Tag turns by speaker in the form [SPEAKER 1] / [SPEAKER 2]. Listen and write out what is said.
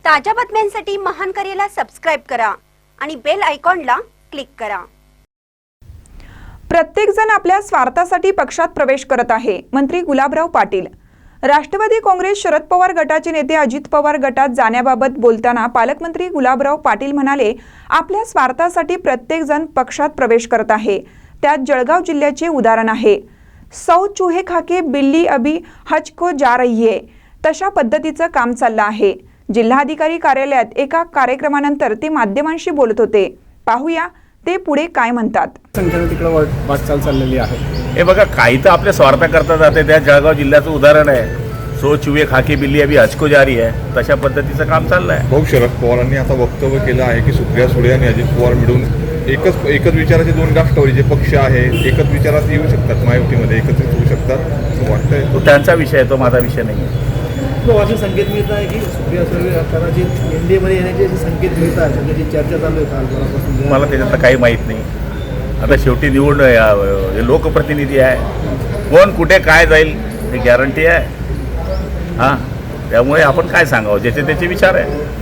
[SPEAKER 1] ताज्या बातम्यांसाठी महान करेला सबस्क्राइब करा आणि बेल आयकॉनला क्लिक करा।
[SPEAKER 2] प्रत्येक जण आपल्या स्वार्थासाठी पक्षात प्रवेश करत आहे, मंत्री गुलाबराव पाटील। राष्ट्रवादी काँग्रेस शरद पवार गटाचे नेते अजित पवार गटात जाण्याबाबत बोलताना पालकमंत्री गुलाबराव पाटील म्हणाले, आपल्या स्वार्थासाठी प्रत्येक जण पक्षात प्रवेश करत आहे। त्यात जळगाव जिल्ह्याचे उदाहरण आहे। 100 चूहे खाके बिल्ली अभी हज को जा रही है, तशा पद्धतीचं काम चाललं आहे। जिल्हाधिकारी कार्यालयात एका कार्यक्रमानंतर ते माध्यमांशी बोलत होते। पाहूया ते पुढे काय म्हणतात।
[SPEAKER 3] संख्येने तिकडे वाटचाल चाललेली आहे।
[SPEAKER 4] हे बघा, काही तर आपल्या स्वार्थाकरता जाते। त्या जळगाव जिल्ह्याचं उदाहरण आहे। 100 चूहे खाके बिल्ली अभी हज को जा रही है, तशा पद्धतीचं काम चाललं आहे।
[SPEAKER 5] भाऊ शरद पवारांनी आता वक्तव्य केलं आहे की सुप्रिया सुळे आणि अजित पवार मिळून एकच विचाराचे दोन राष्ट्रवादीचे पक्ष आहे, एकच विचारात येऊ शकतात, महायुतीमध्ये एकत्रित होऊ शकतात असं वाटतंय।
[SPEAKER 4] तो त्यांचा विषय आहे, तो माझा विषय नाही आहे।
[SPEAKER 3] तो असे संकेत मिळत आहे की सुप्रिया सुळे कदाचित एनडीएमध्ये येण्याचे असे संकेत मिळत आहेत, त्याची चर्चा चालू आहे कालपासून।
[SPEAKER 4] मला त्याच्यातलं काही माहीत नाही। आता शेवटी निवडून हे लोकप्रतिनिधी आहे, कोण कुठे काय जाईल हे गॅरंटी आहे। हां, त्यामुळे आपण काय सांगावं, ज्याचे त्याचे विचार आहे।